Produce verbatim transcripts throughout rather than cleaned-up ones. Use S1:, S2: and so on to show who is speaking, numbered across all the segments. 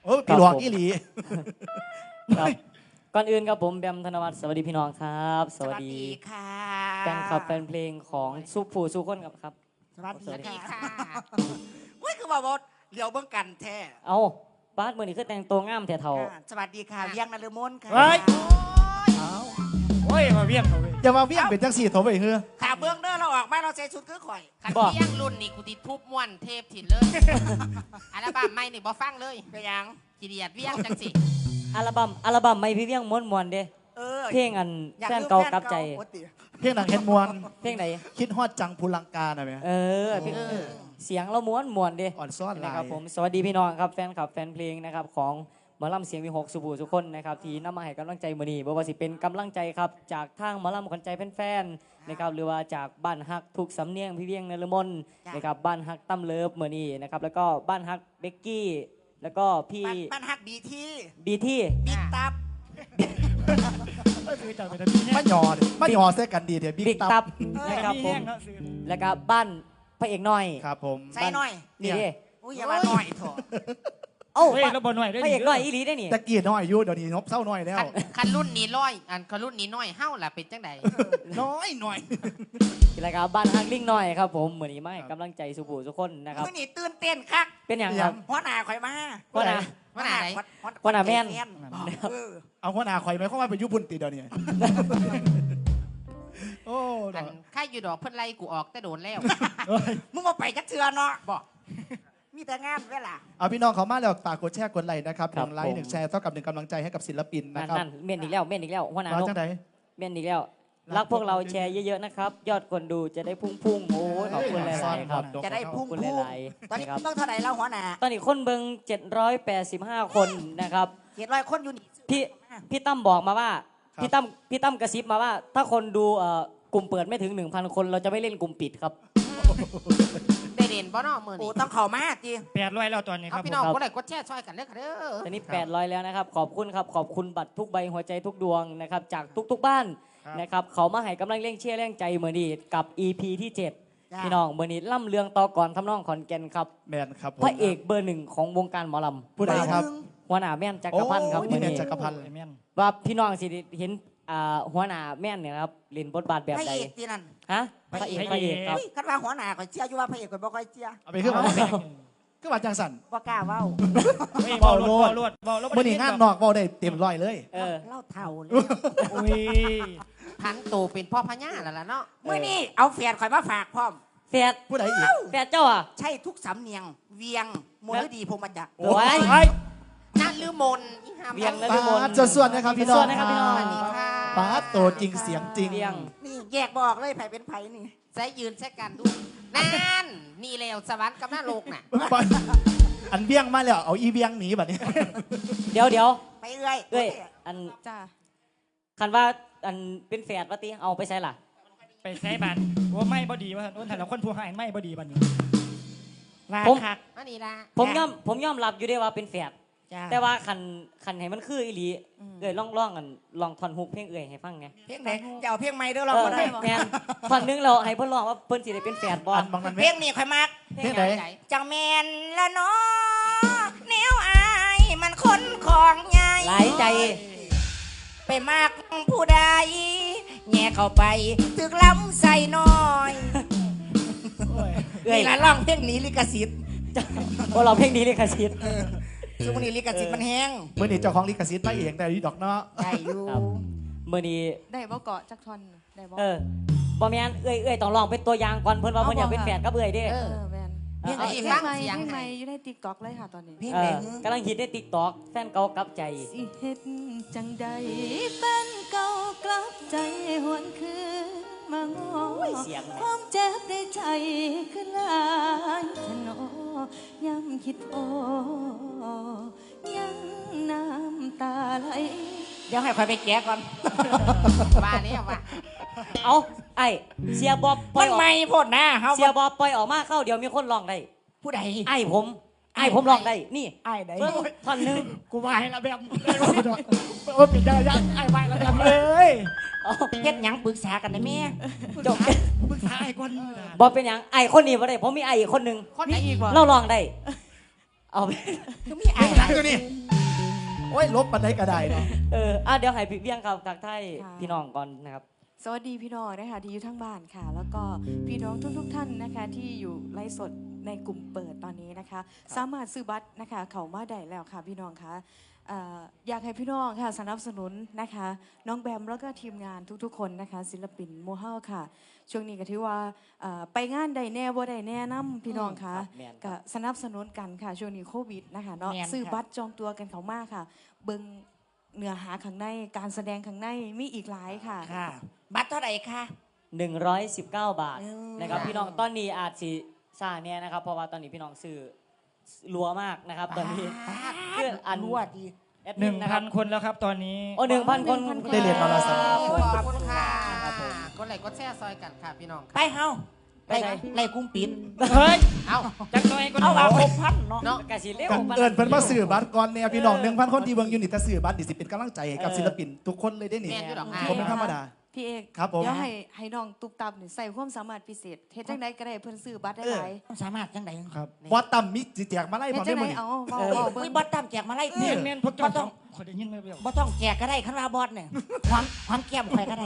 S1: โอ้พี่หลวงอีหลี
S2: ครับก่อนอื่นครับผมแบมธนวัฒน์สวัสดีพี่น้องครับ
S3: สวัสดีค่ะ
S2: แฟนคลับแฟนเพลงของสุผู้สุคนครับครับ
S3: สวัสดีค่ะเฮ้ยคือว่าบดเลี้ยวเบื้องกันแท้
S2: เอาบาสมือนี่คือแต่งตัวงามแถวเท่า
S3: สวัสดีค่ะเวียงนฤมลค่ะ
S1: เฮ้ย
S4: โอ้ยมาเวียงเขาเว้ย
S1: อย่ามาเวี่ยงเป็นจังสี่โถไปเฮือ
S3: ขาเบื้องเด้อเราออกมาเราใส่ชุดคือข่อย
S5: ขันเที่ยงรุ่นนี่กูติทุบม้วนเทพถิ่นเลยอัลบั้มไม่นี่บ่ฟังเลย
S3: ไปยัง
S5: ขี้เดียดเวียงจังสิ
S2: อัลบั้มอัลบั้มไม่พี่เวียงม้วนมวนๆเด้
S3: เออ
S2: เพลงอันแฟนเก่ากับใจ
S1: เพียงหนังเห็นมวน
S2: เพลงไหน
S1: คิดฮอดจังภูลังกาหน่อยไหม
S2: เออเพลงเสียงเราม้วนมวนๆเด้
S1: อ่อนซ่อนลา
S2: นะครับ
S1: ย
S2: ผมสวัสดีพี่น้องครับแฟนคลับแฟนเพลงนะครับของหมอลำเสียงวิหกสุภูทุกคนนะครับที่นำมาให้กำลังใจมือนี้บ่ว่าสิเป็นกำลังใจครับจากทางหมอลำขวัญใจแฟนๆนะครับหรือว่าจากบ้านฮักทุกสำเนียงพี่เวียงนฤมลนะครับบ้านฮักตั้มเลิฟมือนี้นะครับแล้วก็บ้านฮักเบกกี้แล้วก็พี่
S3: บ้านฮักบีที
S2: บีที่
S3: บิ๊กตับ
S4: เอ้ยคือจังเป็นพี่แห้
S1: มาง หยอดมาหยอเส้กันดีเดี๋ยวบิ๊
S2: บิ๊
S1: ก
S2: ก
S1: ตั
S2: ตั
S1: บบ
S2: นะครับผ
S4: พี่
S2: ม
S4: แห้งเนาะซื้อ
S2: แล้วก็บ้านพระเอกน้อย
S1: ครับผม
S3: ใส่หน่อย
S2: นี่ดิ
S3: อุ้ยอย่ามาหน่อยเถอะ
S2: เอ้า
S4: เฮ้ยแล้วบอลหน่อยด้วย
S2: พระเอกน้อยอีหลีได้นี่
S1: ตะกี้น้อยอยู่เดี๋ยวนี้นบเศร้าน้อยแล้ว
S5: คันคันรุ่นนี้ร้อยอันคันรุ่นนี้น้อยเฮ้าล่ะเป็นจังใด
S1: น้อยหน่อย
S2: แล้วก็บ้านฮักลิงน้อยครับผมมือนี้มาให้กำลังใจสุภูทุกคนนะครับ
S3: มื่อนี้ตื่นเต้นคัก
S2: เป็นอย่างครับ
S3: หัวหน้าข่อยมา
S2: ว่านะ
S5: ว่าไหน
S3: หัวหน้าแม่นเออ
S1: เอาหัวหน้าข่อยไหมเข้ามาเป็นยุบุนติเดี๋ยวนี้โอ้
S5: อันค่าอยู่ดอกเพิ่นไล่กูออกแต่โดนแล้ว
S3: มึงมาไปจักเทือเนาะ
S5: บอก
S3: มีแต่งานเวลา
S1: เอาพี่น้องเขามาแล้วฝากกดแชร์กดไลค์นะครับห
S2: ครับ
S1: นึ่งไลค์
S2: ผม
S1: หนึ่งแชร์เท่ากับหนึ่งกำลังใจให้กับศิลปิน
S2: นั่
S1: นะ
S2: น
S1: ครับ
S2: นั่นเมียนอีกแล้วเมียนอีกแล้วหัวหน้า
S1: เรา
S2: นก
S1: จังไหน
S2: เมียนอีกแล้วรักพวกเราแชร์เยอะๆนะครับ ยอดคนดูจะได้พุ่งๆโอ้ยขอบคุณหลายๆครับ
S3: จะได้พุ่ง
S2: ขอบคุณ
S3: พุ่ง
S2: หลายๆ
S3: ตอนนี้
S2: นะครับ
S3: ต้องเท่าไหร่แล้วหัวหน้า
S2: ตอนนี้คนเบิงเจ็ดร้อยแปดสิบห้าคนนะครับ
S3: เจ็ดร้อยคนอยู่นี่
S2: พี่พี่ตั้มบอกมาว่าพี่ตั้มพี่ตั้มกระซิบมาว่า ถ้าคนดูเอ่อกลุ่มเปิดไม่ถึง หนึ่งพัน คนเราจะไม่เล่นกลุ่มปิดครับ
S5: ได้เด่นบ่เนาะมื้อ
S3: โอ้
S5: นี้
S3: ต้องเข่ามาจี
S4: แปดร้อยแล้วตอนนี้ค
S5: เอา
S4: รับ
S5: พี่
S4: ผ
S5: น้อง
S4: ม
S5: กดไลค์กดแชร์ช่วยกันเด้อค่ะเด้อ
S2: ตอนนี้แปดร้อยแล้วนะครับ ขอบคุณครับ ขอบคุณบัตรทุกใบหัวใจทุกดวงนะครับ จากทุกๆบ้านนะครับ เขามาให้กำลังเร่งเชียร์แรงใจเมื่อนี้กับ อี พี ที่ เจ็ด พี่น้องเมื่อนี้ล่ำเลืองต่อก่อนทำนองขอนแก่นครับ
S1: แมนครับผม
S2: พระเอกเบอร์หนึ่งของวงการหมอลำ
S1: ผู้ใดครับ
S2: หัวหน้าแม่นจักรพันธ์ครับ
S1: โอ้ย
S2: มื่อ
S1: นี่
S2: นี้
S1: จักรพันธ์
S4: ไอ้แม่น
S2: ว่าพี่น้องสิเห็นอ่าหัวหน้าแม่นเนี่ยนะครับเล่นบทบาทแบบ
S3: พระ
S2: ใด
S3: เอกที่นั่น
S2: ฮะพระเอกพระเอกครับ
S3: เฮ้ยคันว่าหัวหน้าข่อยเชียร์อยู่ว่าพระเอกข่อยบ่ค่อยเชียร์
S1: เอาไปขึ้นมาขึ้นมาจังสัน
S3: บ่กล้าเว้า
S4: เฮ้ยบอลรวดบอลรวดบอลรวด
S1: มื่อนี้งานนอกเว้าได้เต็มร้อยเลย
S2: เออ
S3: เล่าเท่าเลย
S4: โอ้ย
S5: พันโตเป็นพ่อพญาแล้วล่ะเนาะ
S3: เมื่อนี้เอาแฟนข่อยมาฝากพร้อม
S2: แฟด
S1: ผู้ใดอีก
S2: แฟดเจ้าอ่ะ
S3: ใช่ทุกสำเนียง เวียงมลดีพงษ์มาจาก
S2: โอ้ย
S1: ไอ้
S5: นั่นลือมนอีหาม
S2: เวียงและ
S1: ปาดจะส่วนนะครับพี่น้อง
S2: ส่วนนะครับพี่น้อง
S5: สวัสดีค่ะ
S1: ปาดโตจริงเสียงจริง
S2: เวียง
S3: นี่แยกบอกเลยไผเป็นไผนี่
S5: ใส่ยืนใส่กันดูนั่นนี่แล้วสวรรค์กับหน้าโลกน่ะ
S1: อันเบี้ยงมาแล้วเอาอีเบี้ยงหนีแบบนี้
S2: เดี๋ยวเดี๋ยว
S3: ไปเอ้ย
S2: เอ้ยอัน
S6: จ้า
S2: คันว่าอันเป็นแฟดวะติเอาไปใส่ล่ะ
S4: ไปใช้บันว่าไม่บอดีว่าโดนแต่ละคนผู้ให้ไม่บอดีบันนี้ลา
S2: ผม
S4: คัก
S5: อันนี้ล่ะ
S2: ผมยอมผมยอมรับอยู่ได้ว่าเป็นแฟด
S3: จ้า
S2: แต่ว่าคันคันให้มันคืออีหลีเอ้ยลองลองกันลองท่อนฮุกเพลงเอ้ยให้ฟังไง
S3: เพลงไหนจะเอาเพลงใหม่เด้อเรา
S2: เออ
S3: บ่ได้
S2: แมนท่อนหนึงเราให้เพิ่นร้องว่าเพิ่นสิได้เป็นแฟดบ่
S1: อันบางนั้น
S3: เพลงนี้ข่อยมัก
S1: เพลงไหน
S3: จังแมนละเนาะแนวอายมันคนของใหญ่
S2: หลายใจ
S3: ไปมากผู้ใดแง่เข้าไปถึกล้ำใส่น้อย
S2: เอ้ย
S3: นี่ละร้องเพลงนี้ลิขสิทธิ์
S2: ว่าเราเพลงนี้เลยค่ะชิด
S3: ช่วงนี้ลิขสิทธิ์มันแห้ง
S1: เมื่อนี้เจ้าของลิขสิทธิ์มาเองแต่ดีดอกเนาะ
S3: ได้อยู่
S2: ครับมื้อนี้
S6: ได้บ่เกาะจักทอนได้บ่
S2: เออบ่แม่นเอ้ยเอ้ยต้องลองเป็นตัวอย่างก่อนเพิ่นว่าเพิ่นอยากเป็นแฟนกับเอ้ยเด้
S5: เอ
S6: เอ
S5: อ
S6: อแมน
S5: เพลงไหน
S6: เพลง
S5: ฟัง
S6: ใหม่
S5: เสียง
S6: เพลงให
S5: ให้
S6: ม่อยู่ในติ๊กต็อกเลยค่ะตอนนี้
S3: เพลง
S2: เอ
S3: ไหน
S2: อกำลังฮิตใน TikTok แฟนเก่ากลับใจ
S6: สิเฮ็ดจังใดแฟนเก่ากลับใจหวนคืนมาง้อ
S2: โอ้ยเสียงน่ะ
S6: ความเจ็บในใจขึ้นหลายทะนอย้ำคิดโอยังน้ำตาไหล
S3: เดี๋ยวให้ข่อยไปแกะก่อน
S5: ว่าแล้วว่า
S2: เอาไอ้เสียบอบปล่
S3: มั
S2: อย
S3: น
S2: ออก
S3: ไม่โพดนะเฮา
S2: เสียบอบปล่อยออกมาเข้าเดี๋ยวมีคนร้องได้
S3: ผู้ใด
S2: ไอ้ผมไอ้ผมร้องได้นี่
S3: อ้ายใด
S2: เพิ่งท่อนหนึง
S4: กูมาให้ละแบบว่าปิดได้ยังไอ้ไม่ละแบบเลย
S2: เอา
S3: เฮ็ดหยังปรึกษากันได้แม่
S2: จบ
S4: ปรึกษาไอ้คน
S2: บอเป็นหยังไอ้คนนี้บ่ได้ผมมีไอ้อีกคนหนึง
S5: คนไหน
S6: มีอีกบ่
S2: เราร้องได้ เเอาไป
S3: คือมีไอ้
S1: หลังอยู่นี่โอ้ยลบปันไดกระไดเนาะ
S2: เอออ่ะเดี๋ยวให้พี่เวียงครับทักทาย
S6: ค่ะ
S2: พี่น้องก่อนนะครับ
S6: สวัสดีพี่น้องนะคะที่อยู่ทั้งบ้านค่ะ แล้วก็พี่น้องทุกๆทท่านนะคะที่อยู่ไลฟ์สดในกลุ่มเปิดตอนนี้นะคะ สามารถซื้อบัตรนะคะเขามาได้แล้วค่ะพี่น้องคะเอ่ออยากให้พี่น้องค่ะสนับสนุนนะคะ น้องแบมแล้วก็ทีมงานทุกๆคนนะคะ ศิลปินโมเฮาค่ะ ช่วงนี้ก็ถือว่าเอ่อไปงานใดแน่บ่ใดแน่น้ำพี่น้องค่ะ
S2: ครับแม่นครับ
S6: ก็สนับสนุนกันค่ะช่วงนี้โควิดนะคะเนาะซื้อบัตรจองตัวกันเขามากค่ะ เบิ่งเนื้อหาข้างในการแสดงข้างในมีอีกหลายค่ะ
S3: ค่ะ บัตรเท่าไหร่คะ
S2: หนึ่งร้อยสิบเก้า บาท
S3: เออ
S2: นะครับพี่น้องตอนนี้อาจสิซ่าเนี่ยนะครับเพราะว่าตอนนี้พี่น้องซื้อรัวมากนะครับตอนนี้คืออัน
S3: รั่วดี
S2: แอด
S4: ห
S2: มิ
S4: นึ่
S2: น
S4: ง
S2: นะค
S4: พั
S2: รับ
S4: นคนแล้วครับตอนนี้
S2: โอ้หนึ่งพันคน
S6: หนึ่งพัน
S1: ได้เรียนมาละสาม
S5: ขอบคุณค่ะ
S2: ครับผม
S5: กดไลค์กดแชร์ซอยกันค่ะพี่น้อง
S3: ไป
S5: ค่ะ
S3: เฮา
S2: ไป
S3: ไล่
S2: ไหน
S3: ไล่กุ้งปิด
S4: เฮ้ย
S5: เอ้า
S4: จักหน่อยก็
S3: เอา
S4: เอา
S3: ว่าหกพันเนาะ
S5: เนาะ
S2: กะสิเร็ว
S1: กัน
S2: ปา
S1: เอิญเพิ่นมาสื่อบัตรก่อนเนี่ยพี่น้องหนึ่งพันคนที่เบิ่งอยู่นี่ถ้าสื่อบัตรดิสิเป็นกำลังใจให้กับศิลปินทุกคนเลยได้นี่
S5: แม่นอยู่ดอก
S1: ผมเป็นธรรมดา
S6: พี่เอก
S1: ครับผม
S6: เดี๋ยวให้ให้น้องตุกตับนี่ใส่ความสามารถพิเศษเฮ็ดจังไดก็ได้เพิ่นซื้อบัตรได้หลาย
S3: สามารถจังได
S1: ครับบอสตั้มมิจิแจกมาไล่
S6: เฮ็
S1: พ
S6: ด
S1: อ
S6: จั
S1: ได้
S6: ง
S1: หม
S6: ได
S1: ด
S6: เอาเว้าเว้าเบิ่
S3: อุ้ย
S6: ง
S3: บอสตามแจกมาไล่
S4: เมียนเมียนพวกเจ้า
S3: บ่ต้อง
S4: คนได้ยินไหมเปล่า
S3: บ่ต้องแจกก็ได้คันว่าบอสเนี่ยความความแก้มข่อยก็ได้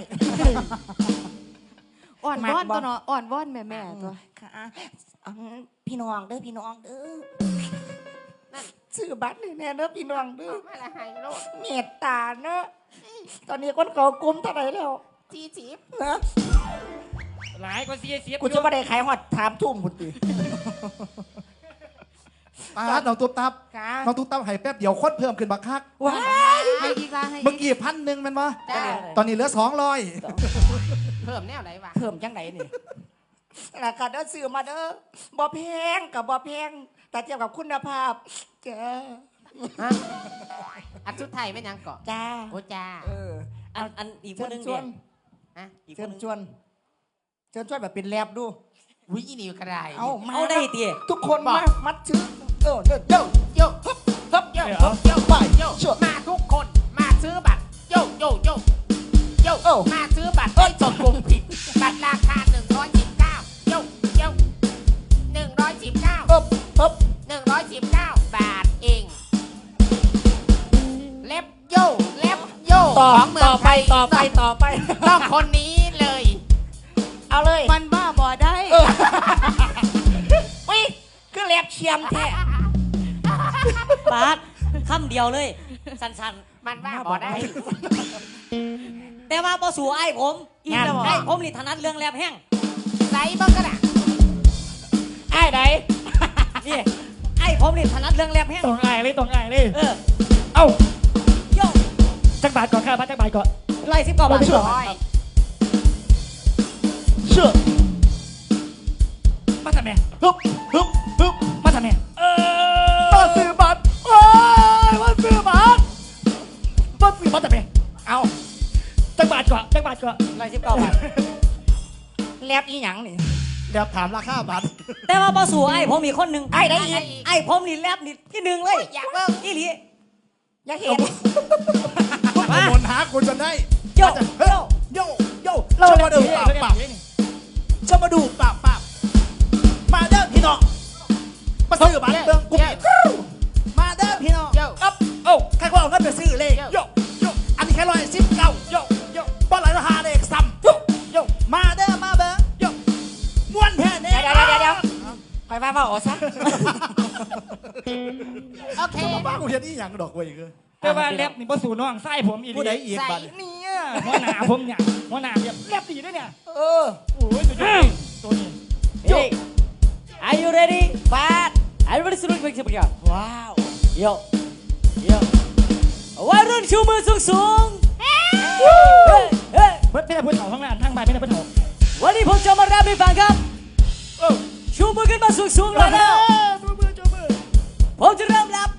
S6: อ่อน
S3: มาก
S6: วอน
S3: บ่
S6: ตัวเนาะอ่อนวอนแม่ๆตัว
S3: ค่ะอืมพี่น้องเด้อพี่น้องเด้อนั่นซื้อบัตรนี่แน่เด้อพี่น้องเด้อ
S5: มาละไฮโลด
S3: เมตตาเนาะตอนนี้คนเขากลุ้มเท่าไหร่แล้ว
S5: จีจีบ
S3: นะ
S4: หลายกว่าเสียเสีย
S3: กูจะไม่ได้ขายหอดถามทุ่มคุณตี
S1: ปาดน้องตุ๊บตับ
S3: ค่ะ
S1: น้องตุ๊บตับให้แป๊บเดียวคนเพิ่มขึ้นบักคัก
S3: ว้าย
S6: ให้อีกละให้
S1: เมื่อ
S6: อีก
S1: กี้พันหนึ่งแมันวะ
S5: จ้า
S1: ตอนนี้เหลือสองร้อย
S5: เพิ่มแนวไหนวะ
S3: เพิ่มจังไหนนี่ราคาเด้อซื้อมาเด้อบ่แพงกับบ่แพงแต่เทียบกับคุณภาพจ้า
S5: ฮะอันสุดไทายเป็นหยังเกาะ
S3: จ้า
S5: โอ้จ้า
S3: เออ
S2: อันอันอีกค
S3: เชิ
S2: น
S3: ญ
S2: หนึง
S3: ชว
S2: เนี่ย
S3: น
S5: ฮะ
S2: อีกค
S3: เชิ
S2: น
S3: ญ
S2: หนึง
S3: ชวนเชิญชวนแบบเป็นแลบดู
S5: วิอีนิวกระไร
S3: เอามา
S2: เอาได้ตี
S3: ทุกคนมามัดชื่อเออเด้อเด้อ
S5: โยฮึบฮึบโยฮึบโยไปโยมาทุกคนมาซื้อบัตรโยโยโยโยมาซื้อบัตรเอ้ยจดกลุ่มผิดบัตรราคาหนึ่งร้อยสิบเก้าโยโยหนึ่งร้อยสิบเก้า
S3: เอบเอบ
S5: หนึ่งร้อยสิบเก้าบาทเองเล็บโยเล็บโย
S3: ต่อ
S5: ของเมือ
S3: ต่อง ไป
S5: ไทย
S3: ต่อไปต่อไป
S5: ต้องคนนี้เลย
S3: เอาเลย
S6: มันบ้าบ่ได้
S3: เอออุ้ยคือแลบเชียมแท้
S2: ปาดคำเดียวเลย สั้น
S5: มันว่าบ่ได้
S2: ๆ แต่ว่าพอสู่ไอ้ผม
S6: อีกแล้วบ่
S2: ไอ้ผมนี่ถนัดเรื่องแลบแห้ง
S5: ใส่บ้างก็ได้
S3: ไอ้ไหน
S2: นี่ไอ้ผมนี่ถนัดเรื่องแลบแห้ง
S4: ตรงไอ้เลยตรงไอ้เลย
S2: เออ
S4: เอ้า
S2: โย
S4: จักบาทก่อนค่ะพัดจักบาทก่อน
S2: ไล่สิบกว่าบาท
S5: ร้อย
S4: เชื่อมาทำไม
S1: ฮึบฮึบฮึบ
S4: มาทำไมเออ
S1: มาซื้อบัตรโอ้ยมาซื้อบัตร
S4: มาซื้อมาทำไม
S3: เอา
S4: จักบาทก่อนจักบาทก่อน
S2: ไล่สิบเก้าบาท
S3: แลบอีหยังนี่
S1: เดี๋ยวถามราคาบัตร
S2: แต่ว่าพอสู่ไอ้ผมอีกคนหนึ่ง
S3: ไอ้ได้อีก
S2: ไอ้ผมนี่แลบนี่ที่หนึ่งเลย
S5: อยากเบิ่ง
S2: อีหลี
S3: อยากเห็น
S1: มาบนหากูจนได้
S2: โย
S1: เฮ้ยโยโยเรามาดูปากปากจะมาดูปากปากมาเด้อพี่น้องมาซื้อบัตรเบิ่งกูผิดมาเด้อพี่น้อง
S5: โย
S1: อัพโอ้ใครก็เอาเงินไปซื้อเลยโยโยอันนี้แค่ร้อยสิบเก้าโยโยบอลไหลราคาเด็กซ้ำโยโยมาเด้อมาเบิ่งโยม้วนแท้เนี่ย
S3: เดี๋ยวเดี๋ยวเดี๋ยวไปว่าว่าอ๋อซะ
S5: โอเค
S1: บ้ากูเห็นอีหยังดอกเว้ยคือ
S4: แต่ว่าเล็บนี่พอสู่น้องไส้ผมอี
S1: ผู้ใด
S4: ลี
S1: อีกบัตร
S4: เนี่ยหัวหน้าผมเนี่ยหัวหน้าเนี่ยเล็บดีด้วยเนี่ย
S3: เออ
S4: โอ้ยตัวนี้ตัวนี้
S2: Hey, are you ready?
S3: ฟาด
S2: Everybody salute make some noise.
S3: ว้าว
S2: Yo, yo. วัยรุ่นชูมือสูงสูงเฮ้ยเฮ้ย
S4: เพื่อนเพื่อนเถาทั้งนั้นทั้งใบเพื่อนเพื่อนเถา
S2: วันนี้ผมจะมาแรปให้ฟังครับ
S4: เออ
S2: ชูมือขึ้นมาสูงสูงเลยแล้ว
S4: จูมือจูมือ
S2: ผมจะเริ่มแรป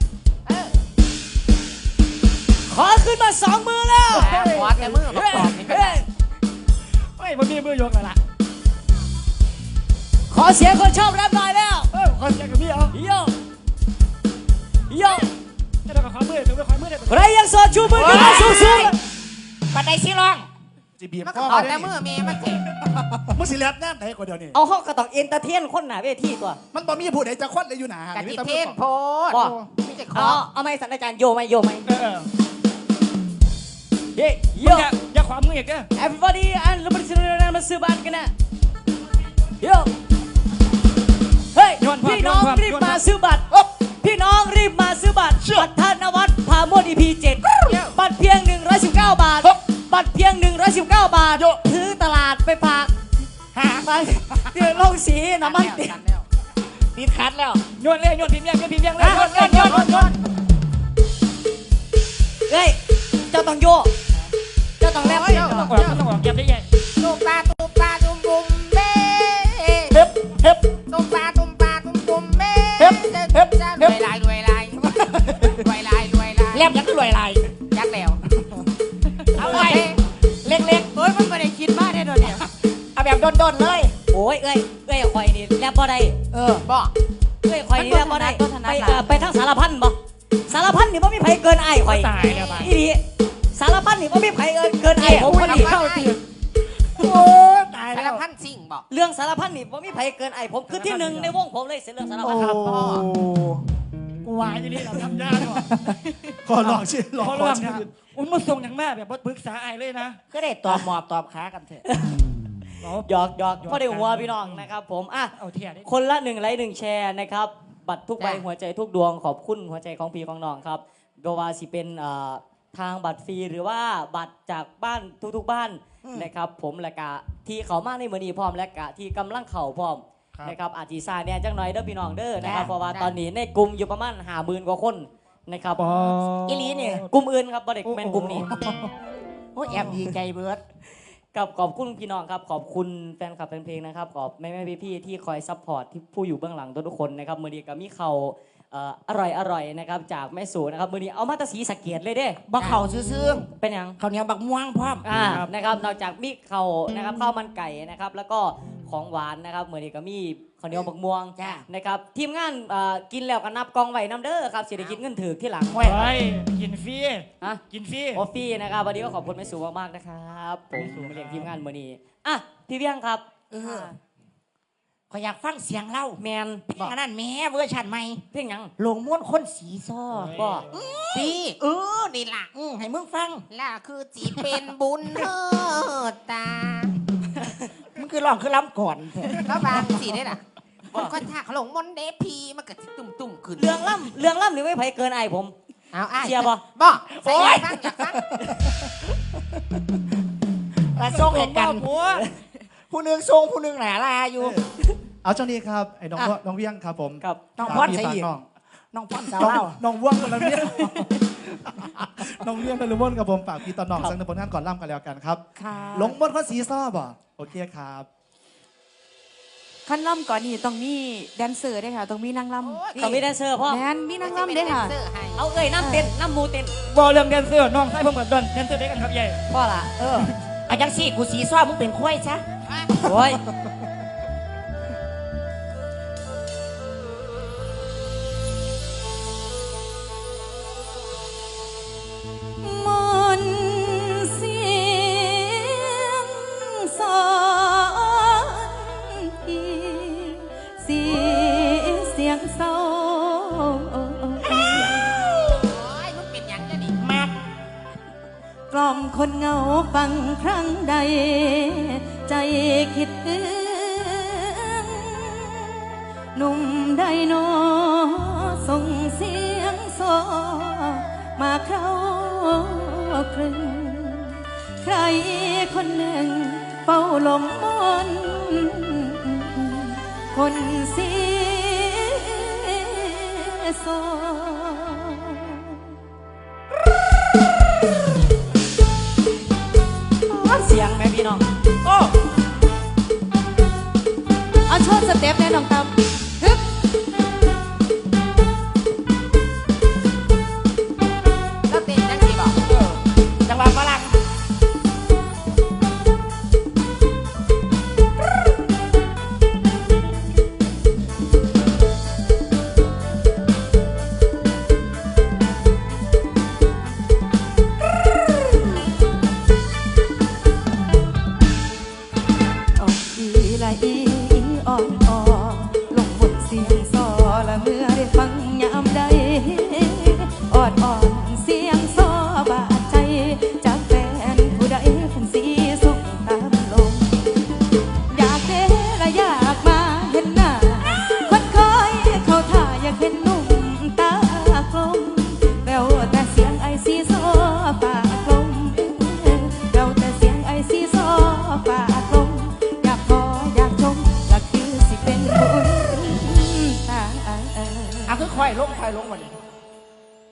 S2: ขอขึ้นมาสองมือแล้ว
S5: ขอแต่มือประกอบนี่ก็
S2: เฮ้
S5: ได้
S2: ย
S4: ไม่ผมมีมือยกแล้วล่ะ
S2: ขอเสียงคนชอบแรปหน่อยแล้ว
S4: เออขอเสียงกับพี่เอา
S2: โยโย
S4: จะได้ขอมือจะได้ขอมือได้
S2: ใครยังโสดชูมือขึ้นมาสูงสูง
S3: ปัดได้สิลอง
S1: จีบีบ
S5: มัน
S1: พ่
S5: ก็
S1: อ
S5: เอา
S1: มา
S5: แต่
S1: ได้
S5: มือเมย์มันเจ็บ
S1: มึงสิแลบแน่ไหนกว่าเดียวนี่
S2: เอาห้องกระตอกเอนเตอร์เทนคนหนาเวทีตัว
S1: มันบ่มีผู้ใดจะควัดเลยอยู่หนา
S5: กั
S1: นี่
S5: จิ
S1: มีแต่
S5: เท
S1: มือ
S5: ศ
S1: ก่อน
S5: โพด
S2: ว่า
S5: ไม่ใช่ค
S2: เอา
S5: อ
S2: เอาไม่สันอาจารย์โยไหมโยไหม
S4: เออเออ
S2: เฮ้ยโย
S4: มึงอย่าอย่าขวามืออีกเด้อ
S2: everybody and เราไปซื้อมาซื้อบ้านกันนะโยเฮ้ยพี่น้องรีบมาซื้อบัตรพี่น้องรีบมาซื้อบัตรบัตรธนวัฒน์พาโมด อี พี เจ็ดบัตรเพียงหนึ่งร้อยสิบเก้าบาทบัตรเพียงหนึ่งร้อยสิบเก้าบาทซื้อตลาดไปฝากหาไปเดี๋ยวลงสีน้ำมันติด
S5: กันแล้ว
S2: ติดขัดแล้ว
S4: โยนเลยโยนพิมพ์ยังโยนพิมพ์ยังเลยโยนโยนโยนโยนโยน
S2: เฮ้ยเจ้าต้องโยเจ้าต้องแลบ
S4: ต้องออกต้องออกเก็บได้ใหญ่
S5: ตุมปลาตุมปลาตุมบุมเบ้
S1: เฮ็บเฮ็บ
S5: ตุมปลาตุมปลาตุมบุมเบ้
S1: เฮ็บเฮ็บ
S5: รวยลายรวยลายรวยลายรวยลาย
S2: แลบยังก็รวยไร
S5: ยักแล้ว
S2: เอาไว้เล็กๆ
S6: โอ้ยมันไม่ได้คิดมากแน่นอนเนี่ย
S2: เอาแบบโดนๆเลย โอ้ยเอ้ยเอ้ยคอยนี่แลบบ่ได้
S6: เออ
S5: บ่
S2: เอ้ยคอยนี่แลบบ่ได้
S6: มันบ่ถนัด
S2: ไป
S6: บ่ถนัด
S2: เอ่อไปทางสารพันบ่สารพันนี่บ่มีไผเกินไอ้คอย
S4: ตายแล้วไป
S2: อีดีสารพันนี่บ่มีไผเอิ้นเกินไอ้ผมคนนี้
S5: เข้าตี
S4: โอ้ตาย
S5: สา
S4: แล้
S5: ร
S4: ว
S5: พันสิ่งบ่
S2: เรื่องสารพันนี่บ่มีไผเกินไอ้ผมคือที่หนึ่งในวงผมเลยเสียเรื่องสารพันครับ
S1: โอ้
S4: กูวายอยู่นี่เราทำยาเนาะ
S1: ขอลองชื่อลอง
S4: เขา
S1: ขอ
S4: เรื่อง
S1: ชื่
S4: เนี่ย
S1: อ
S4: อุ้มมาส่งอย่างแม่แบบปรึกษาไอ้เลยนะ
S3: ก็ได้ตอบหมอบตอบขากันเถอะ
S2: หยอกหยอกพ่อได้หัวพี่น้องนะครับผมอ่ะ
S4: เอาเทียดิ
S2: คนละหนึ่งไลค์หนึ่งแชร์นะครับบัตรทุกใบ
S5: จ้ะ
S2: หัวใจทุกดวงขอบคุณหัวใจของพี่ของน้องครับโดวาสิเป็นเอ่อทางบัตรฟรีหรือว่าบัตรจากบ้านทุกๆบ้านนะครับผมและกะที่เขามาในมือนี้พร้อมและกะที่กำลังเข่าพร้อมนะครับอาจจีซาเนี่ยจังหน่อยเด้อพี่น้องเด้อนะครับเพราะว่าตอนนี้ในกลุ่มอยู่ประมาณห้าหมื่นกว่าคนนะครับ
S4: ปอ
S2: อีหลีเนี่ยกลุ่มอื่นครับบ่ได้เป็นกลุ่มนี้
S3: โอ้ยแอบดีใจเบิร์ด
S2: กับขอบคุณพี่น้องครับขอบคุณแฟนคลับแฟนเพลงนะครับขอบแม่แม่พี่พี่ๆที่คอยซัพพอร์ตที่ผู้อยู่เบื้องหลังทุกๆคนนะครับมือนี้ก็มีเขาเอ่ออร่อยอร่อยนะครับจากแม่สูนะครับมือนี้เอามาตรสีสะเกียดเลยเด้
S3: บ่เข่าซื่อ
S2: เป็นหยัง
S3: ๆข้าวเหนียวบักม่วงพร้อม
S2: อ่านะครับนอกจากมีเขานะครับข้าวมันไก่นะครับแล้วก็ของหวานนะครับมือนี้ก็มีข้าวเหนียวบักม่วง
S3: จ้า
S2: นะครับทีมงานเอ่อกินแล้วก็นับกองไว้น้ำเด้อครับเศรษฐกิจเงินถือที่หลัง
S4: เฮ้ยกินฟรี
S2: อ่ะ
S4: กินฟรี
S2: โอฟี่นะครับวันนี้ก็ขอบคุณแม่สูมากๆนะครับผมสูมาเลี้ยงทีมงานมือนี้อ่ะพี่เบี้ยงครับ
S3: เออขอยอยากฟังเสียงเล่า
S2: แมน
S3: เพลงอันนั้นแม่เวอร์ชันใหม่
S2: เพียงหยัง
S3: หลงม้วนคนสีซ้อ
S2: ก็
S5: พี่เออนี่ล่ะ
S3: อือให้มึงฟัง
S5: ล่ะคือจีเป็นบุญเฮอตา
S3: มึงคือร้องคือล้ำก่อนเถอะ
S5: แล้วบางสีได้น่ะคนคนท่าเขาหลงมนต์เดพีมันก็สิตุ่มตุ่มๆขึ้น
S2: เรื่องล่ำเรื่องล่ำนี่ไม่ไผเกินไอผม
S5: เอาอ้าย
S2: เชียร์บ่
S5: บ่ใส่อยากฟังอยากฟัง
S3: มาส่งให้กัน
S4: หัว
S3: ผู้หนึงทรงผู้หนึงหนาลาอยู่
S1: เอาช่วงนี้ครับไอ้น้อง
S3: อ่ะ
S1: ว่น้องเวียงครับผม
S2: ครับ
S3: น้อง
S1: ฝาก
S3: พอด
S1: พี่
S3: ใส่
S1: ฝาก
S3: อีก
S1: น้อง
S3: น้องพ่อนสาว
S1: น้อง
S3: เล่า
S1: น้องว่วงคนละเวียง น้องเวียงนรุมนกับผมฝากพี่ตอนน้องสังในผลงานก่อนล่ำกันแล้วกันครับ
S6: ค่ะ
S1: หลงมดข้อสีซ้อบ่โอเคครับ
S6: ขั้นล่ำก่อนนี่ต้องมีแดนเซอร์ด้วยค่ะ ต้องมีนางล่
S2: ต้องมีแดนเซอร์พ่อ
S6: ำแมนมีนางล่ำด้วยค่ะ
S2: เอาเอ้ยน้ำเต้นน้ำหมูเต้น
S4: บอกเรื่องแดนเซอร์น้องใส่ผมกับดอนแดนเซอร์ได้กันครับใหญ่
S2: พ่อล่ะ
S3: เอออาจังสี่กูสีซ้อมึงเป็นควายซะ
S2: โอ้ย
S6: มนต์เสียงสอนพี่สีเสียงเศร้า
S5: โอ้ยมันเป็นหยังจะนี่
S3: มาก
S6: กล่อมคนเหงาฟังครั้งใด ใจคิดถึงหนุ่มใดโนส่งเสียงโซมาเข้าครึงใครคนหนึ่งเฝ้าหลงมนต์คนเสียโซ
S2: เสียงแม่พี่น้อง
S3: โอ้
S6: เอาโชว์สเต็ปแน่น้องตามฮึบ
S5: แล้วเต้นจังสิบอก
S3: จังหวะฝรั่ง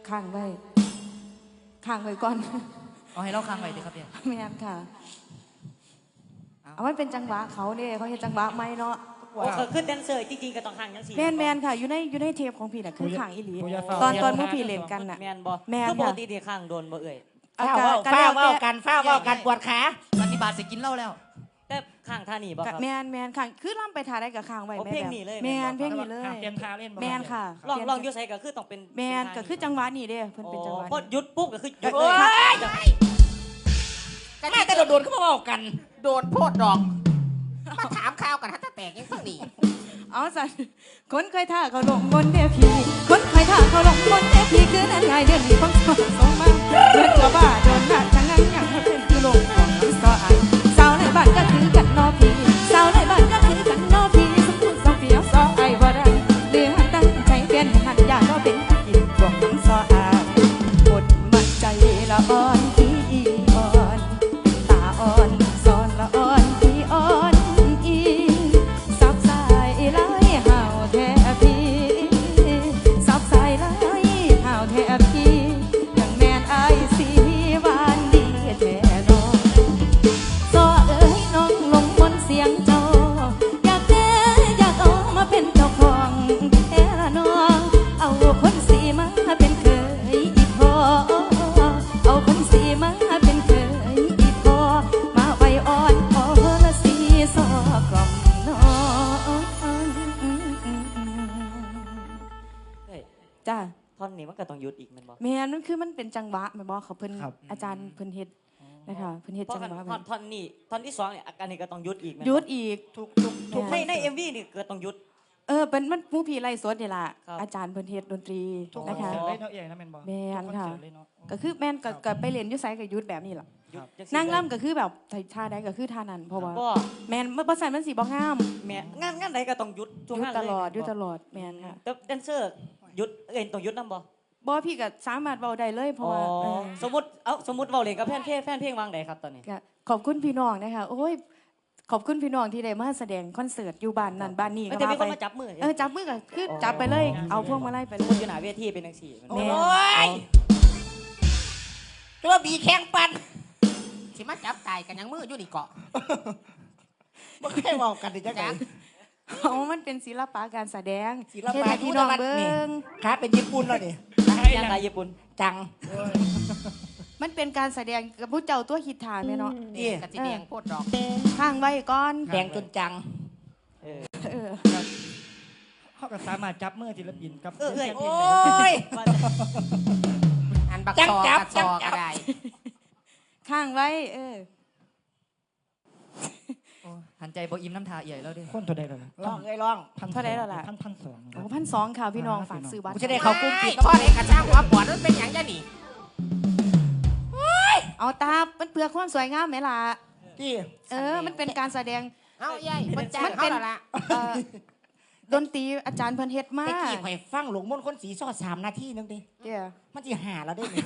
S6: ข้างไว้ข้างไว้ก่อน
S2: เอาให้เราค้างไว้ดิครับเนี่ย
S6: แม่นค่ะ เอาไว้เป็นจังหวะเขาเนี่ยเขาเห็นจังหวะไหมเนาะ
S2: โอ้ก็คือแดนเซอร์จริงๆก็ต้องค้างจังซี่
S6: แมนแมนค่ะอยู่ในอยู่ในเทปของพี่น่ะคือข้างอีหลี
S4: กูอย่าเฝ้า
S6: ตอนตอนเมื่อพี่เล่นกันน่ะ
S2: แม่นบ่
S6: แม่น
S2: คือป
S6: ค่ะ
S2: กติที่ค้างโดนบ่เอ่ย
S3: ฝ้าเว้าฝ้าเว้ากันฝ้าเว้ากันปวดขา
S2: ปฏิบัติสิกินเหล้าแล้วแต่ค้างท่านี่บ่ครับ
S6: แมนแมนค่ะคือล่ำไปทาได้กับข้างไว้
S2: โอ้
S6: แม่
S2: เพลง
S6: แบบ
S2: นี้เลย
S6: แมน
S2: แม่
S6: เพล
S2: น
S6: ง
S2: บ่
S6: นี้เลย
S4: เตรียมทาเล่นบ่
S6: แมนค่ะ
S2: ลองลองอยู่ไสก็คือต้องเป็น
S6: แมนก็คือจังหวะนี้เด้เพิ่นเป็นจังหวะ
S2: พอ
S6: นี้
S2: หยุดปุ๊บก็คือหยุด
S3: โอ้
S2: เลย
S3: ยแม่แต่โดนๆก็มาเว้ากัน โดนโพดดอกมาถามข่าวกันถ้าจะแตกยังเพิ่งหนี
S6: เอาสันคนเคยท่าเขาลงบนเทพีคนเคยท่าเขาลงบนเทพีคือนั่นไงเดือนนี้ของสองสองมาเดือนตัวบ้าโดนหนักทั้งนั้นอย่างให้เป็นคือลงของน้ำซออ่านสาวในบ้านก็คือกันนอพีสาวในบ้านก็คือกันนอพีสมบูรณ์สองปีเอาซอไอ้บ่ได้เดือดตั้งใจเป็นหันยาก็เป็นกินพวกน้ำซออ่านอดมันใจละอ่อนที่อ่อนตาอ่อนซอนละอ่อนที่อ่อนอีซับสายไหลห่าวแทบพี่ซับสายไหลห่าวแทบพี่ยังแมนไอสีหวานดีแท้น้องซอเอ้ยน้องลงบนเสียงเจ้าอยากได้อยากเอามาเป็นเจ้าของแท้ละน้องเอาคนสีมาเป็นเคยอีกพอเอาคนสีมาเป็นเคยอีกพอมาไว้อ่อนพอละสีซอกล่อมน้อง
S2: เฮ้ย
S6: จ้า
S2: ท่อนนี้มันก็ต้องหยุดอีกแม่นบ่
S6: แม่นมันคือมันเป็นจังหวะแม่นบ่เขาเพิ่น
S4: ครับ
S6: อาจารย์เพิ่นเฮ็ดนะคะเพิ่นเฮ็ด
S2: เพราะ
S6: จัง
S2: กัน
S6: หวะ
S2: ท่อนท่อนนี้ท่อนที่สองเนี่ยอาการนี้ก็ต้องหยุดอีกแม่นบ่
S6: หยุดอีกทุกทุก
S2: ถูกในใน เอ็ม วี นี่ก็ต้องหยุด
S6: เออเป็นมันผู้พี่ไล่สดนี่ล่ะ
S2: ครับ
S6: อาจารย์เพิ่นเฮ็ดดนตรี
S4: ทุกค
S6: นะ
S4: อน
S6: คะ
S4: เสิร์ตเลยเนาะเอ๋นะแม่นบ่
S6: แม่นค่ะ
S4: ทุกอนเสิร์ตเลยเนาะ
S6: ก็คือแม่นก็ก็ไปเล่นอยู่ไสก็หยุดแบบนี้ล่ะ
S2: หยุดจังซี่
S6: นั่ง
S2: เลย
S6: ล่ำก็คือแบบท่าใดก็คือท่านั้นเพราะว่า
S2: บ่
S6: แม่นบ่ใส่มันสิบ่งาม
S2: แม่งานงานใดก็ต้องหยุด
S6: ห
S2: ช่วง
S6: ยุด
S2: งาน
S6: ต
S2: เย
S6: ลอดหยุด
S2: บ่
S6: ตลอดแม่นค่ะ
S2: แต่แดนเซอร์หยุดเอ็นต้องหยุดนํบ่
S6: บ่พี่ก็สามารถเว้าได้เลยเพราะ
S2: อ๋อ
S6: ว่าเออ
S2: สมมุติเอ้าสมมุติเว้าเล่นกับแฟนเพลงแฟนเพลงวางใดครับตอนนี้
S6: ก็ขอบคุณพี่น้องนะคะโอ้ยขอบคุณพี่น้องที่ได้มาแสดงคอนเสิร์ตอยู่บ้านนั่นบ้านนี้
S2: เอ้
S6: ก็
S2: ยแต่มี
S6: ว่า
S2: คน
S6: ไป
S2: มาจับมือ
S6: เออจับมือก็คือจับไปเลย เอาพวงมาลัยไปเล
S2: คน
S6: ย
S2: อยู่หน้าเวทีเป็นจังซี่มัน
S3: โอ้
S2: บ่
S3: ยตัวบีแข้งปันสิมาจับตายกันยังมืออยู่นี่เกาะ
S1: บ่เคยเว้ากันดิจังได๋
S6: เอามันเป็นศิลปะการแสดง
S3: ศิลปะ
S6: เฮ็ดให้พี่น้องเบิ้ง
S1: ขาเป็นญี่ปุ่นแล้วนี่
S2: ยังไงญี่ปุ่น
S3: จัง
S6: มันเป็นการแสดงกับผู้เจ้าตัวฮิตทานแม่เนาะ
S3: นี่กระสีแดงโพดดอก
S6: ข้างไว้ก่อน
S3: แดงจนจัง
S2: เออ
S6: เออ
S4: เขาก็สามารถจับมือศิลปินกับ
S2: เออเอ้ย
S4: ศิลปิ
S3: โอ้
S4: นได้
S3: ย อันบักซอกระซอก็ได้
S6: ข้างไว้ เออ
S2: หันใจบ่อิ่มน้ำทาใหญ่แล้วดิ
S4: คนเท่าใดแล้ว
S1: ลองเอ้ยลอง
S4: พัน
S6: เท่าใดแล้วล่ะ
S4: พันพันสอง
S6: โอ้พันสองค่ะพี่น้องฝากซื้อบัตร
S3: กูจะได้เขากุ้งปิดพ่อเด็กกระช่างหัวปวดมันเป็นอย่างจะหนี
S6: เอาตามันเพื่อความสวยงามไหมล่ะ
S1: ที่
S6: เออ มันเป็นการแสดง
S3: เอาใหญ่มันจ้าง
S6: มัน
S3: เขา
S6: เป็น
S3: แล้วล่ะ
S6: เอ่อดนตรีอาจารย์เพิ่นเฮ็ดมา
S3: ตะกี้ข่อยฟังหลวงมนต์คนสีซอดสามนาทีนึงดิ
S6: เดี๋ยว
S3: มันจะหาเราได้ไหม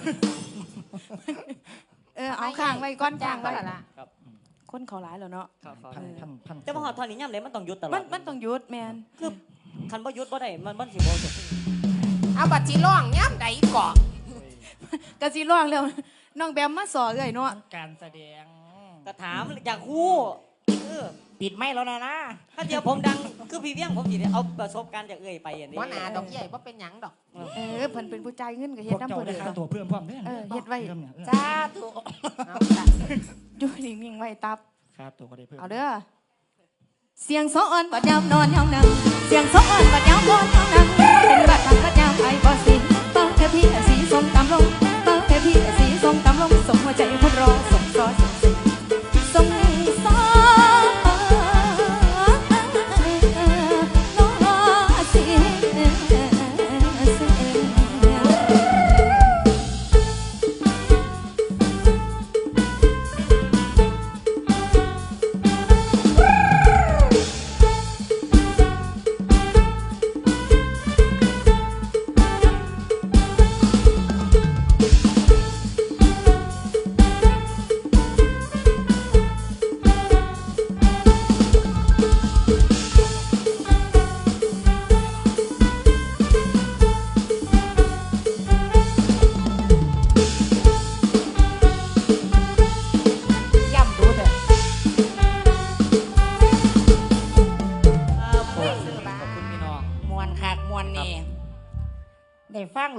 S6: เออเอาข้างไว้ก้อน
S3: จ้า
S6: ข้าง ง
S3: เขา
S6: ไว้
S3: แล้วล่ะ
S6: คนเขาหลายแล้วเนาะ
S2: ครับ
S4: พันพันพัน
S2: แต่ว่าฮอดท่อนนี้ย่ำเลยมันต้องหยุดตลอด
S6: มันมันต้องหยุดแมน
S2: คือคันบ่หยุดบ่ได้มันมันสิบ่จบ
S3: เอาบัตรจีร่องย่ำใดเกาะ
S6: กะสิร้องแล้วน้องแบมมาสอเอ้ยเนาะ
S4: การแสดง
S2: ก็ถามอยากฮู้เออ
S3: ปิดไม่แล้วนะนะ
S2: ถ้าเดียวผมดังคือพี่เวียงผมสิได้เอาประสบการณ์จากเอ่ยไปอย่างนี้
S3: หัวหน้าดอกใหญ่ว่าเป็นหยังดอก
S6: เออเพิ่นเป็นผู้จ่ายเงินก็
S4: พ
S6: เฮ็ด
S4: วก
S6: นำ
S4: เจ้า
S6: เพิ่น
S4: ได้
S6: เด้
S4: ค่า
S6: อ
S4: ตัวเพิ่มพร้อมเด้อ
S6: เออเฮ็ดไว้
S4: ริ่มเนี่ยเออ
S3: จ้าถูกเอาจ้ะ
S6: อยู่นิ่งๆไว้ตับ
S4: ค่าตัวก็ได้เพิ่ม
S6: เอาเด้อเสียงโซอ่อนบัดยามนอนยามนั่งเสียงโซอ่อนบัดยามนอนยามนั่งเป็นบัดทางบัดยามไอ้บ่สิเต้าแค่พี่สีส้มตามลงเต้าแค่พี่สีส้มตามลงส่งหัวใจคนรอส่งซอส่งสิส่งซอน้อสิ
S3: เ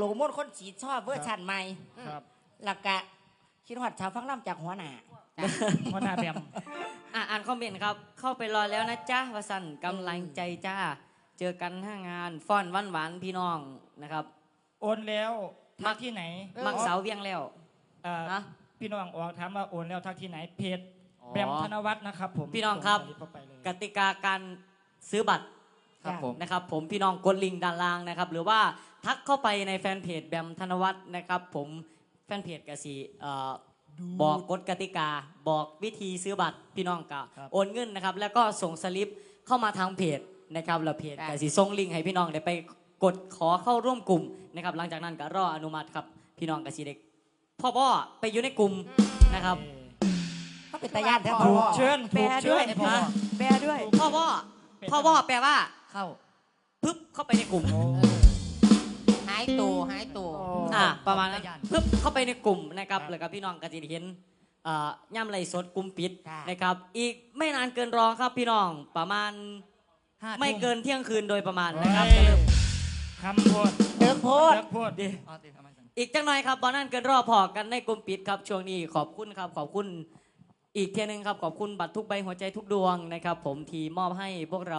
S3: ลมนคนสีชอบเวอร์ชันใหม่
S4: ครับ
S3: หลักกะคิดฮอดชาวฟังล่ำจากหัวหน้า
S4: หัวหน้าแบม
S2: อ่ะอ่านคอมเมนต์ครับ เข้าไปรอแล้วนะจ๊ะวสันกำลังใจจ้า เจอกันห้างานฟ้อนวันหวานพี่น้องนะครับ
S4: โอนแล้วทักที่ไหน
S2: มักเสาเวียงแล้ว
S4: เอ่อ
S2: ฮะ
S4: พี่น้องออกถามว่าโอนแล้วทักที่ไหนเพจ
S2: อ๋อ
S4: แบมธนวัฒน์นะครับผม
S2: พี่น้องครับ
S4: ส่สลิปเข้าไปเลย
S2: กติกาการซื้อบัตร
S3: ครับผม
S2: นะครับผมพี่น้องกดลิงก์ด้านล่างนะครับ หรือว่าทักเข้าไปในแฟนเพจแบมธนวัฒน์นะครับ ผมแฟนเพจกสีเอ่อบอกกฎกติกา บอกวิธีซื้อบัตรพี่น้องกะโอนเงินนะครับ แล้วก็ส่งสลิปเข้ามาทางเพจนะครับแล้วเพจกสีส่งลิงก์ให้พี่น้องได้ไปกดขอเข้าร่วมกลุ่มนะครับ หลังจากนั้นก็รออนุมัติครับพี่น้องกสีเด็กพ่อพ่อไปอยู่ในกลุ่มนะครับ
S3: เขาเป็นตาญาติแท้
S4: ถู
S3: พ่
S4: ก
S3: อ
S4: เชิญ
S6: แปล
S4: ถูกเชิ
S6: ด้วย
S4: ญ
S2: ฮะ
S6: แปลด้วย
S2: พ่อพ่อพ่อพ่อแปลว่า
S3: เข้า
S2: ปึ๊บเข้าไปในกลุ่ม
S5: หายตัวหายตัว
S2: อ่าประมาณนั้นปึ๊บเข้าไปในกลุ่มนะครับแล้วก็พี่น้องก็จะเห็นเอ่อย่ำไรสดกลุ่มปิด
S5: ค่ะ
S2: นะครับ อีกไม่นานเกินรอครับพี่น้องประมาณไม่เกินเที่ยงคืนโดยประมาณนะครับจะเริ่ม
S4: คำพูด
S3: เดิมโพด
S4: เลิกพูดดิ
S2: อีกจังหน่อยครับบอนั่นเกินรอพอกันในกลุ่มปิดครับช่วงนี้ขอบคุณครับขอบคุณอีกเทียหนึงครับขอบคุณบัตรทุกใบหัวใจทุกดวงนะครับ ผมทีมอบให้พวกเรา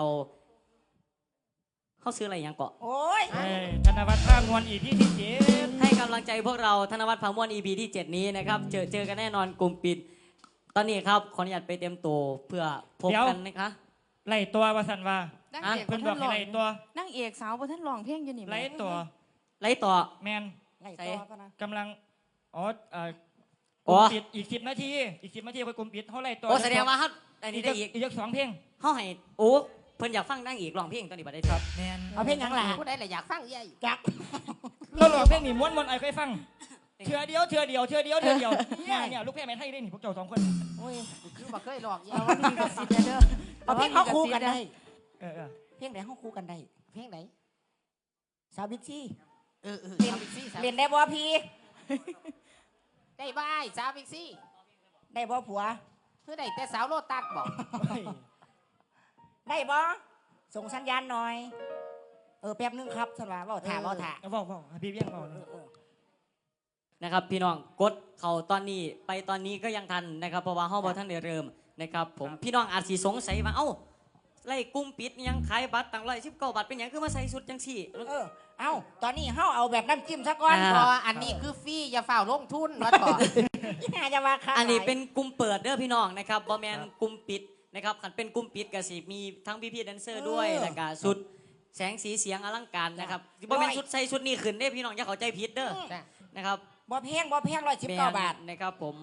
S2: เขาซื้ออะไรอย่างเกาะ
S3: โอ้ย
S4: เอ้ยธนวัฒน์ท่ามวลอีพีที่เจ็ด
S2: ให้กำลังใจพวกเราธนวัฒน์พามวน อี พี ที่ เจ็ด นี้นะครับ เจอเจอกันแน่นอนกลุ่มปิด ตอนนี้ครับ ขออนุญาตไปเตรียมตัวเพื่อพบกันนะคะ
S4: ไล่ตัววาสันว่า
S6: นั่ง
S2: อ่ะ
S6: เอก
S4: เพิ่นบ
S6: ท่า
S4: อก
S6: น
S4: ให้
S6: ร้อง
S4: ไล่ตัว
S6: นั่งเอกสาวบนท่านร้องเพลงอยู่นี่แม่
S4: ไล่ตัว
S2: ไล่ต่อ
S4: แมน
S3: ไล่ตัวก็นะ
S4: กำลังอ๋อเอ่อก
S2: อ๋
S4: ลุ่
S2: อ
S4: มปิดอีกสิบนาทีอีกสิบนาทีค่อยกลุ่มปิดเขาไล่ตัว
S2: โอ้แสดงว่าครับอัน
S4: อี
S2: นี้
S4: ก
S2: ได้อีก
S4: อีกสองเพลง
S2: เขาให้โอ้เพิ่นอยากฟังนั่งอีกร้องเพลงตอนนี้บัดได้ครับ
S4: แมน
S3: เอาเพลงหยังล่ะ
S5: ผู้ใดเลยอยากฟังยัย
S3: จัก
S4: เราหลอกเพลงนี่ม้วนม้วนไอ้เคยฟังเถื่อเดียวเถื่อเดียวเถื่อเดียวเถื่อเดียวเนี่ยเนี่ยลูกเพลงแมนให้ได้นี่พวกเจ้าสองคน
S3: โอ้ย
S5: คือบ่เคยหลอกยั
S6: เอา
S5: ย
S6: ว่ามีกระสิทธิ์เด้อ
S3: เอาเพลงเขาคู่กันได้
S4: เออเออ
S3: เพลงไหนเขาคู่กันได้
S5: เพลงไหน
S3: สาวบิ๊กซี่
S5: เออเออ
S3: เรียน
S5: สาวบิ๊กซี่สาว
S3: เรียนได้บ่พี่
S5: ได้บ้ายสาวบิ๊กซี่
S3: ได้บ่ผัว
S5: เพื่อได้แต่สาวโลตัสบอก
S4: เฮ้ย
S3: ได้บ่ส่งสัญญาณหน่อย เออแป๊บนึงครับสำหรับว่าถามว่าถาม
S4: เอาบอกบอกให้พี่เบี้ยงบอก
S2: นะครับ พี่น้องกดเขาตอนนี้ไปตอนนี้ก็ยังทันนะครับ เพราะว่าเฮาบ่ทันได้เริ่มนะครับผมพี่น้องอาจสิสงสัยว่าเอ้าไล่กลุ่มปิดยังขายบัตรตั้งร้อยสิบเก้าบาทเป็นหยังคือมาใส่สุดจังซี่
S3: เออ เอ้า ตอนนี้เฮาเอาแบบน้ำจิ้มซะก่อน
S2: อ่า
S5: พออันนี้คือฟรีอย่าฝ่าลงทุนว่าต่อ
S3: น่าจะว่าค่ะ
S2: อันนี้เป็นกลุ่มเปิดเด้อพี่น้องนะครับบอแมนกลุ่มปิดนะครับขันเป็นกลุ่มปิดก็สิมีทั้งพี่พี่ๆแดนเซอร์ด้วยแล้วก็สุดแสงสีเสียงอลังการนะครับบอแมนชุดใส่ชุดนี้ขึ้นเด้อพี่น้องอย่าเข้าใจผิดเด้อ
S5: จ้ะ
S2: นะครับ
S3: บ่แพงบ่แพงร้อยสิบเก้าบาท
S2: แม่นนะครับผม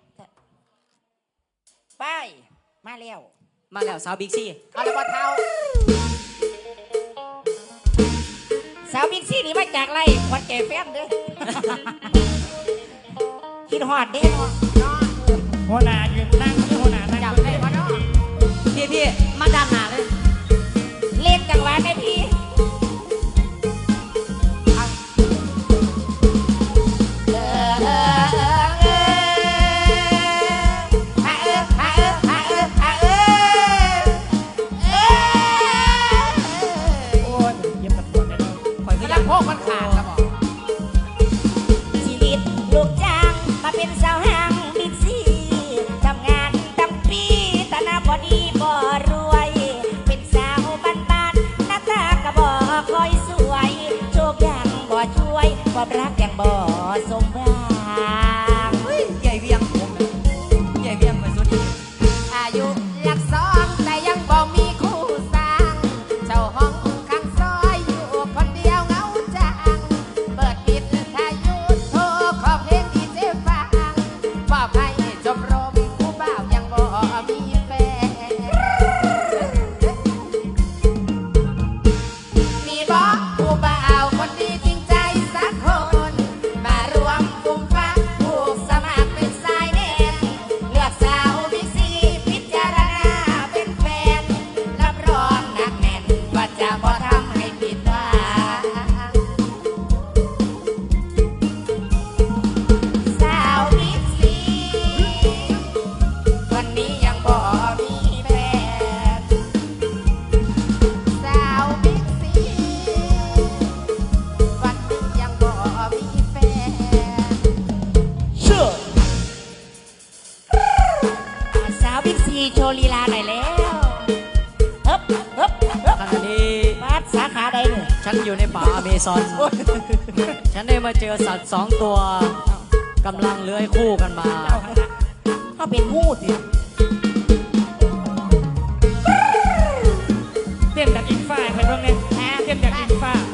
S3: ไป มาแล้ว
S2: มาแล้วสาวบิ๊กซี่
S5: เอาเลยว่าเท้า
S3: สาวบิ๊กซี่นี่มาจากไรควันแก่แฟนเด้อ คิดฮอดเด้เนาะ
S4: หัวหน้ายืนนั่งที่หัวหน้านั่ง
S5: จำได้ปะเนาะ
S2: พี่พี่ๆมาด้านหน้าเลย
S3: เล่นจังหวะไหมพี่เออเออเออเออฮะเออฮะเออฮะเออฮะเออเออ
S4: โอ้ยเย็บตะปวดเลยเนาะ
S2: ข่อยก็
S5: กำ
S2: อ
S5: ลั
S2: ยาง ก
S5: โพกมันขาดแล้วบอก
S3: ชีวิตลูกจ้างมาเป็นสาวห้างบิ๊กซีทำงานตั้งปีแตหนาบอดีบ่รวย เป็นสาวบ้านๆหน้าตาก็บ่ค่อยสวย โชคยังบ่ช่วยความรักยังบ่สมหวัง
S2: ใหญ่เวียงใหญ่เวียงไปสุด
S5: อายุหลักสองแต่ยังบ่มีคู่สร้างเจ้าห้องข้างซอยอยู่คนเดียวเหงาจังเปิดปิดทายุโทรขอเพลงดีเจฟังบอกให้จบรมผู้บ่าวยังบ่มีแฟน มีบอกผู้บ่าวคนดีจริงใจสักคน มารวมวง
S2: อยู่ในป่าอเมซอน ฉันได้มาเจอสัตว์สองตัวกำลังเลื้อยคู่กันมา
S3: เขาเป็นงูสิ
S4: เต้นแบบอิงฟ้าใครบ้างเนี่ยเต้นแบบอิงฟ้า